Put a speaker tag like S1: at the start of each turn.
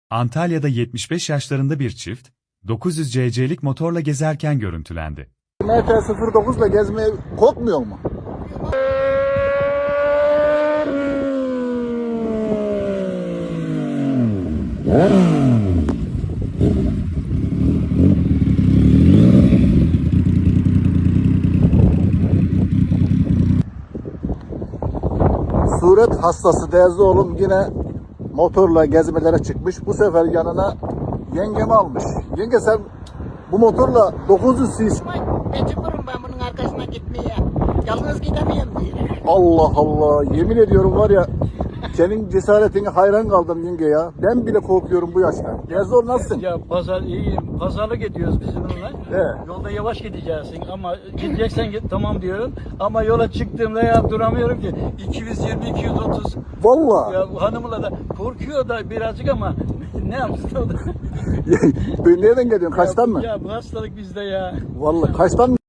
S1: Antalya'da 75 yaşlarında bir çift, 900 cc'lik motorla gezerken görüntülendi.
S2: MT-09 ile gezmeye korkmuyor mu? Suret hastası değerli oğlum yine motorla gezmelere çıkmış. Bu sefer yanına yengemi almış. Yenge sen bu motorla 900 cc.
S3: Mecburum ben bunun arkasına gitmeye. Yalnız gidemiyorum diye.
S2: Allah Allah, yemin ediyorum var ya, senin cesaretine hayran kaldım yenge ya. Ben bile korkuyorum bu yaşta. Yazor nasılsın?
S4: Ya pazar iyiyim. Pazarlık ediyoruz biz bununla.
S2: He.
S4: Yolda yavaş gideceksin ama gideceksen git tamam diyorum. Ama yola çıktığımda ya duramıyorum ki. 220 230.
S2: Vallahi.
S4: Ya hanımla da korkuyor da birazcık ama ne yapsın o da.
S2: Nereden geliyorsun? Kaçtan mı?
S4: Ya bu hastalık bizde ya.
S2: Vallahi kaçtan mı?